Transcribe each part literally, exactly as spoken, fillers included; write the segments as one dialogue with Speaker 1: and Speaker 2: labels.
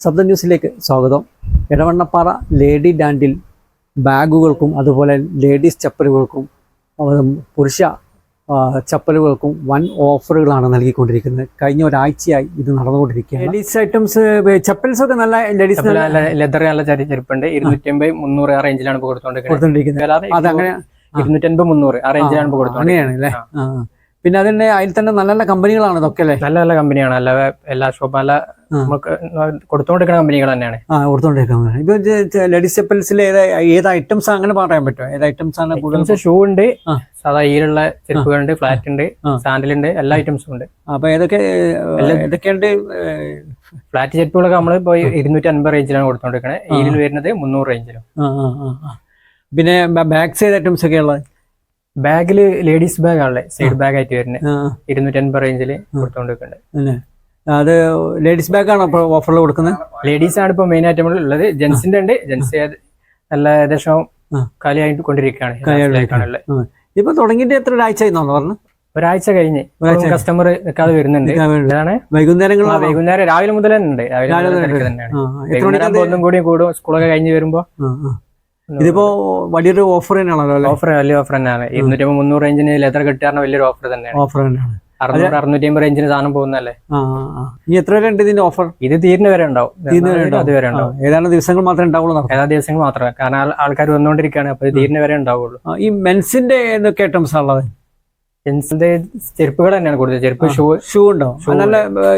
Speaker 1: ശബ്ദ ന്യൂസിലേക്ക് സ്വാഗതം. എടവണ്ണപ്പാറ ലേഡി ഡാൻഡിൽ ബാഗുകൾക്കും അതുപോലെ ലേഡീസ് ചപ്പലുകൾക്കും പുരുഷ ചപ്പലുകൾക്കും വൻ ഓഫറുകളാണ് നൽകിക്കൊണ്ടിരിക്കുന്നത്. കഴിഞ്ഞ ഒരാഴ്ചയായി ഇത് നടന്നുകൊണ്ടിരിക്കുകയാണ്. ലേഡീസ് ഐറ്റംസ് ചപ്പൽസ് ഒക്കെ നല്ല ലേഡീസ്
Speaker 2: ലെതർ നല്ല ചെരുപ്പുണ്ട്. ഇരുന്നൂറ്റി അമ്പത് മുന്നൂറ് ആ റേഞ്ചിലാണ് കൊടുത്തോണ്ടിരിക്കുന്നത്.
Speaker 1: അതങ്ങനെ
Speaker 2: ഇരുന്നൂറ്റി അൻപത് മുന്നൂറ് ആ റേഞ്ചിലാണ് കൊടുത്തോണ്ടിരിക്കുന്നത്.
Speaker 1: അങ്ങനെയാണ് അല്ലേ? പിന്നെ അതിന്റെ അതിൽ തന്നെ നല്ല നല്ല കമ്പനികളാണ് ഇതൊക്കെ അല്ലേ?
Speaker 2: നല്ല നല്ല കമ്പനിയാണ്. നല്ല എല്ലാ ഷോപ്പ് നല്ല കൊടുത്തോണ്ടിരിക്കുന്ന കമ്പനികൾ തന്നെയാണ്.
Speaker 1: ആ കൊടുത്തോണ്ടിരിക്കുന്നത്. ഇപ്പൊ ലേഡീസ് ചപ്പൽസിൽ ഏത് ഏത് ഐറ്റംസ് അങ്ങനെ പറയാൻ പറ്റുമോ? ഏത് ഐറ്റംസ് ആണ് കൂടുതൽ?
Speaker 2: ഷൂ ഉണ്ട്, സാധാ ഈലുള്ള ചെരുപ്പുകളുണ്ട്, ഫ്ലാറ്റ് ഉണ്ട്, സാൻഡൽ ഉണ്ട്, എല്ലാ ഐറ്റംസും ഉണ്ട്.
Speaker 1: അപ്പൊ ഏതൊക്കെ ഏതൊക്കെയുണ്ട്?
Speaker 2: ഫ്ലാറ്റ് ചെരുപ്പുകളൊക്കെ നമ്മൾ ഇപ്പൊ ഇരുന്നൂറ്റി അൻപത് റേഞ്ചിലാണ് കൊടുത്തോണ്ടിരിക്കുന്നത്. ഈരിൽ വരുന്നത് മുന്നൂറ് റേഞ്ചിലും.
Speaker 1: പിന്നെ ബാഗ്സ് ഏത് ഐറ്റംസ് ഒക്കെ ഉള്ളത്?
Speaker 2: ബാഗില് ലേഡീസ് ബാഗ് ആണല്ലേ, സൈഡ് ബാഗ് ആയിട്ട് വരുന്നത്. ഇരുന്നൂറ്റി അൻപത് റേഞ്ചില് കൊടുത്തോണ്ടിരിക്കുന്നുണ്ട്.
Speaker 1: അത് ലേഡീസ് ബാഗ് ആണോ ഓഫറിൽ കൊടുക്കുന്നത്?
Speaker 2: ലേഡീസ് ആണ് ഇപ്പൊ മെയിൻ ആയിട്ട് ഉള്ളത്. ജെന്റ്സിന്റെ ഉണ്ട്. ജെന്റ്സ് നല്ല ഏകദേശം കാലിയായിട്ട് കൊണ്ടിരിക്കുകയാണ്.
Speaker 1: ഇപ്പൊ തുടങ്ങിയിട്ട് എത്ര ഒരാഴ്ച പറഞ്ഞു?
Speaker 2: ഒരാഴ്ച കഴിഞ്ഞ് കസ്റ്റമർ വെക്കാതെ വരുന്നുണ്ട്.
Speaker 1: വൈകുന്നേരങ്ങൾ
Speaker 2: വൈകുന്നേരം രാവിലെ മുതൽ തന്നെ ഉണ്ട്. രാവിലെ തന്നെയാണ്. ഒന്നും കൂടി കൂടും സ്കൂളൊക്കെ കഴിഞ്ഞ് വരുമ്പോ.
Speaker 1: ഇതിപ്പോ വലിയൊരു ഓഫർ തന്നെയാണല്ലോ.
Speaker 2: ഓഫർ വലിയ ഓഫർ തന്നെയാണ്. ഇരുന്നൂറ്റി അമ്പത് മുന്നൂറ് റേഞ്ചിന് ലെതർ കിട്ടാറുള്ള വലിയൊരു ഓഫർ തന്നെയാണ്.
Speaker 1: ഓഫർ തന്നെയാണ്.
Speaker 2: അറുന്നൂറ് അറുന്നൂറ്റി അമ്പത് റേഞ്ചിന് സാധനം പോകുന്നല്ലേ.
Speaker 1: ഇനി എത്ര വരെ ഉണ്ട് ഇതിന്റെ ഓഫർ?
Speaker 2: ഇത് തീരുന്ന വരെ ഉണ്ടാവും. അതുവരെ ഉണ്ടാവും.
Speaker 1: ഏതാണ്ട് ദിവസങ്ങൾ മാത്രമേ ഉണ്ടാവുള്ളൂ.
Speaker 2: ഏതാ ദിവസങ്ങൾ മാത്രമേ, കാരണം ആൾക്കാർ വന്നുകൊണ്ടിരിക്കുകയാണ്. അപ്പൊ തീരുന്ന വരെ ഉണ്ടാവുള്ളൂ.
Speaker 1: ഈ മെൻസിന്റെ എന്തൊക്കെ ഐറ്റംസ് ഉള്ളത്?
Speaker 2: ജെന്റ്സിന്റെ ചെരുപ്പുകൾ തന്നെയാണ് കൂടുതൽ. ചെരുപ്പ്, ഷൂ
Speaker 1: ഷൂ ഉണ്ടോ? നല്ല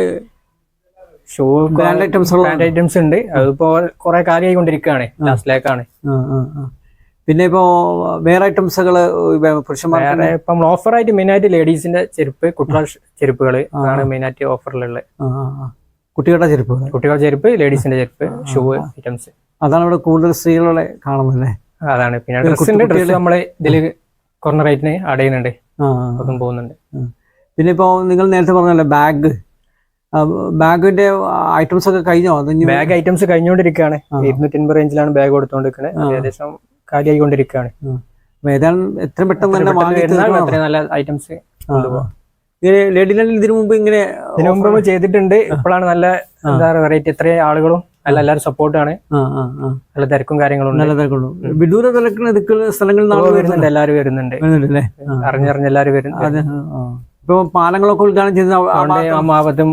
Speaker 2: shoe brand items brand items ഉണ്ട്. അതിപ്പോ കുറെ കാലിയായി കൊണ്ടിരിക്കുകയാണ്. ലാസ്റ്റിലേക്കാണ്.
Speaker 1: പിന്നെ ഇപ്പോ വേറെ ഐറ്റംസുകള് പുരുഷന്മാരെ
Speaker 2: ഇപ്പം ഓഫറായിട്ട് മെയിൻ ആയിട്ട് ലേഡീസിന്റെ ചെരുപ്പ്, കുട്ടികളുടെ ചെരുപ്പുകൾ ആണ് മെയിൻ ആയിട്ട് ഓഫറിലുള്ളത്.
Speaker 1: കുട്ടികളുടെ ചെരുപ്പ്
Speaker 2: കുട്ടികളുടെ ചെരുപ്പ് ലേഡീസിന്റെ ചെരുപ്പ്, ഷൂ ഐറ്റംസ്
Speaker 1: അതാണ് ഇവിടെ കൂടുതൽ സ്ത്രീകളെ കാണുന്നല്ലേ?
Speaker 2: അതാണ്. പിന്നെ ഡ്രസ്സിന്റെ ഡ്രസ്സ് നമ്മള് ഇതില് കുറഞ്ഞ റേറ്റിന് അടയുന്നുണ്ട്. അതും പോകുന്നുണ്ട്.
Speaker 1: പിന്നെ ഇപ്പോ നിങ്ങൾ നേരത്തെ പറഞ്ഞല്ലേ ബാഗ് ബാഗിന്റെ ഐറ്റംസ് ഒക്കെ കഴിഞ്ഞോ?
Speaker 2: ബാഗ് ഐറ്റംസ് കഴിഞ്ഞുകൊണ്ടിരിക്കുകയാണ്. ഇരുന്നൂറ്റി അൻപത് റേഞ്ചിലാണ് ബാഗ് കൊടുത്തോണ്ടിരിക്കുന്നത്. ഏകദേശം കാലിയായിക്കൊണ്ടിരിക്കുകയാണ്.
Speaker 1: എത്രയും പെട്ടെന്ന് തന്നെ
Speaker 2: നല്ല ഐറ്റംസ്
Speaker 1: ലേഡി ലാൻഡിൽ ഇതിനു മുമ്പ് ഇങ്ങനെ
Speaker 2: ഇതിനു മുമ്പ് ചെയ്തിട്ടുണ്ട്. ഇപ്പോഴാണ് നല്ല എന്താ വെറൈറ്റി. ഇത്രയും ആളുകളും നല്ല എല്ലാവരും സപ്പോർട്ടാണ്. നല്ല തിരക്കും കാര്യങ്ങളും
Speaker 1: നല്ല തിരക്കുള്ളൂ. വിദൂര തിരക്കുന്ന സ്ഥലങ്ങളിൽ
Speaker 2: വരുന്നുണ്ട്. എല്ലാവരും വരുന്നുണ്ട്. അറിഞ്ഞറിഞ്ഞ് എല്ലാവരും വരുന്നുണ്ട്.
Speaker 1: ഇപ്പൊ പാലങ്ങളൊക്കെ ഉദ്ഘാടനം ചെയ്ത
Speaker 2: ഭാഗത്തും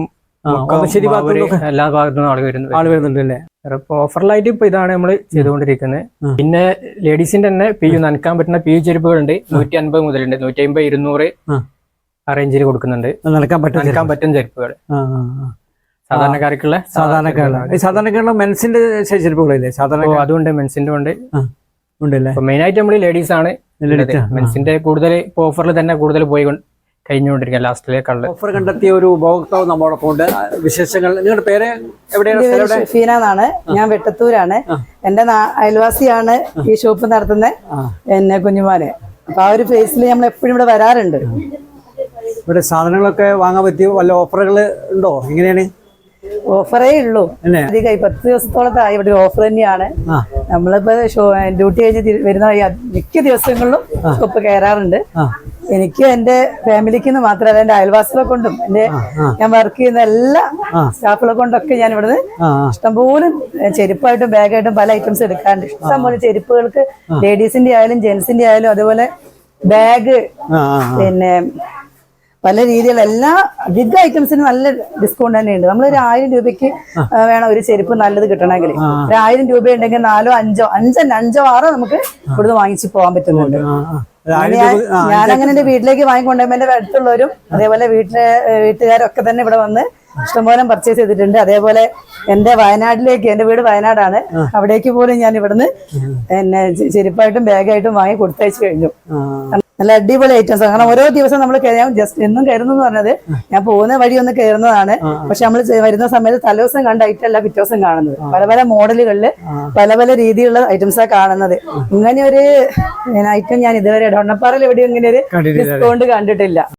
Speaker 2: എല്ലാ ഭാഗത്തും ആള് വരുന്നുണ്ട്
Speaker 1: ആള് വരുന്നുണ്ട് അല്ലേ?
Speaker 2: ഇപ്പൊ ഓഫറിലായിട്ട് ഇപ്പൊ ഇതാണ് നമ്മള് ചെയ്തുകൊണ്ടിരിക്കുന്നത്. പിന്നെ ലേഡീസിന്റെ തന്നെ പി യു നനക്കാൻ പറ്റുന്ന പി യു ചെരുപ്പുകളുണ്ട്. നൂറ്റി അൻപത് മുതലുണ്ട്. നൂറ്റി അമ്പത് ഇരുന്നൂറ് ആ റേഞ്ചിൽ കൊടുക്കുന്നുണ്ട്.
Speaker 1: നനക്കാൻ പറ്റും
Speaker 2: നനക്കാൻ പറ്റും ചെരുപ്പുകൾ സാധാരണക്കാർക്കുള്ള.
Speaker 1: സാധാരണക്കാരുള്ള സാധാരണക്കാരുള്ള മെൻസിന്റെ ചെരുപ്പുകളില്ലേ? സാധാരണ
Speaker 2: അതുകൊണ്ട് മെൻസിന്റെ ഉണ്ട്
Speaker 1: ഉണ്ടല്ലേ?
Speaker 2: മെയിൻ ആയിട്ട് നമ്മള് ലേഡീസ് ആണ്. മെൻസിന്റെ കൂടുതൽ ഇപ്പൊ ഓഫറിൽ തന്നെ കൂടുതൽ പോയി കഴിഞ്ഞുകൊണ്ടിരിക്കുക. ലാസ്റ്റിലേക്കുള്ള
Speaker 1: ഓഫർ കണ്ടെത്തിയ ഒരു ഉപഭോക്താവ് നമ്മളോടൊപ്പം ഉണ്ട്. വിശേഷങ്ങൾ. നിങ്ങളുടെ പേര് എവിടെയാണ്?
Speaker 3: ഷഫീന എന്നാണ്. ഞാൻ വെട്ടത്തൂരാണ്. എന്റെ അയൽവാസിയാണ് ഈ ഷോപ്പ് നടത്തുന്നത്, എന്നെ കുഞ്ഞുമാനെ. അപ്പൊ ആ ഒരു ഫേസിൽ നമ്മൾ എപ്പോഴും ഇവിടെ വരാറുണ്ട്.
Speaker 1: ഇവിടെ സാധനങ്ങളൊക്കെ വാങ്ങാൻ പറ്റിയ വല്ല ഓഫറുകൾ ഉണ്ടോ? എങ്ങനെയാണ്?
Speaker 3: ഓഫറേ ഉള്ളൂ. അധികമായി പത്ത് ദിവസത്തോളത്തായി ഇവിടെ ഓഫർ തന്നെയാണ്. നമ്മളിപ്പോ ഡ്യൂട്ടി കഴിഞ്ഞ് വരുന്ന മിക്ക ദിവസങ്ങളിലും ഷോപ്പ് കയറാറുണ്ട്. എനിക്ക് എന്റെ ഫാമിലിക്ക് മാത്രമല്ല എന്റെ അയൽവാസികളെ കൊണ്ടും എന്റെ ഞാൻ വർക്ക് ചെയ്യുന്ന എല്ലാ സ്റ്റാഫുകളെ കൊണ്ടൊക്കെ ഞാൻ ഇവിടുന്ന് ഇഷ്ടംപോലെ ചെരുപ്പായിട്ടും ബാഗായിട്ടും പല ഐറ്റംസ് എടുക്കാറുണ്ട്. ഇഷ്ടംപോലെ ചെരുപ്പുകൾക്ക് ലേഡീസിന്റെ ആയാലും ജെന്റ്സിന്റെ ആയാലും അതുപോലെ ബാഗ്, പിന്നെ പല രീതിയിലുള്ള എല്ലാ അധിക ഐറ്റംസിനും നല്ല ഡിസ്കൗണ്ട് തന്നെയുണ്ട്. നമ്മളൊരു ആയിരം രൂപയ്ക്ക് വേണം ഒരു ചെരുപ്പ് നല്ലത് കിട്ടണമെങ്കിൽ. ഒരു ആയിരം രൂപ ഉണ്ടെങ്കിൽ നാലോ അഞ്ചോ അഞ്ചല്ല അഞ്ചോ ആറോ നമുക്ക് ഇവിടുന്ന് വാങ്ങിച്ചു പോകാൻ പറ്റുന്നുണ്ട്. ഞാനങ്ങനെ എന്റെ വീട്ടിലേക്ക് വാങ്ങിക്കൊണ്ടുപോകുമ്പോൾ എന്റെ അടുത്തുള്ളവരും അതേപോലെ വീട്ടിലെ വീട്ടുകാരൊക്കെ തന്നെ ഇവിടെ വന്ന് ഇഷ്ടംപോലെ പർച്ചേസ് ചെയ്തിട്ടുണ്ട്. അതേപോലെ എന്റെ വയനാട്ടിലേക്ക്, എന്റെ വീട് വയനാടാണ്, അവിടേക്ക് പോലും ഞാൻ ഇവിടുന്ന് എന്നെ ചെരുപ്പായിട്ടും ബാഗായിട്ടും വാങ്ങി കൊടുത്തയച്ചു കഴിഞ്ഞു. നല്ല അടിപൊളി ഐറ്റംസ്. കാരണം ഓരോ ദിവസം നമ്മൾ ജസ്റ്റ് എന്നും കയറുന്നു എന്ന് പറഞ്ഞത് ഞാൻ പോകുന്ന വഴി ഒന്ന് കയറുന്നതാണ്. പക്ഷെ നമ്മൾ വരുന്ന സമയത്ത് തലേദിവസം കണ്ട ഐറ്റം അല്ല പിറ്റേ ദിവസം കാണുന്നത്. പല പല മോഡലുകളില് പല പല രീതിയിലുള്ള ഐറ്റംസാണ് കാണുന്നത്. ഇങ്ങനെ ഒരു ഐറ്റം ഞാൻ ഇതുവരെ എടവണ്ണപ്പാറയിൽ എവിടെയും ഇങ്ങനെ ഒരു ഡിസ്കൗണ്ട് കണ്ടിട്ടില്ല.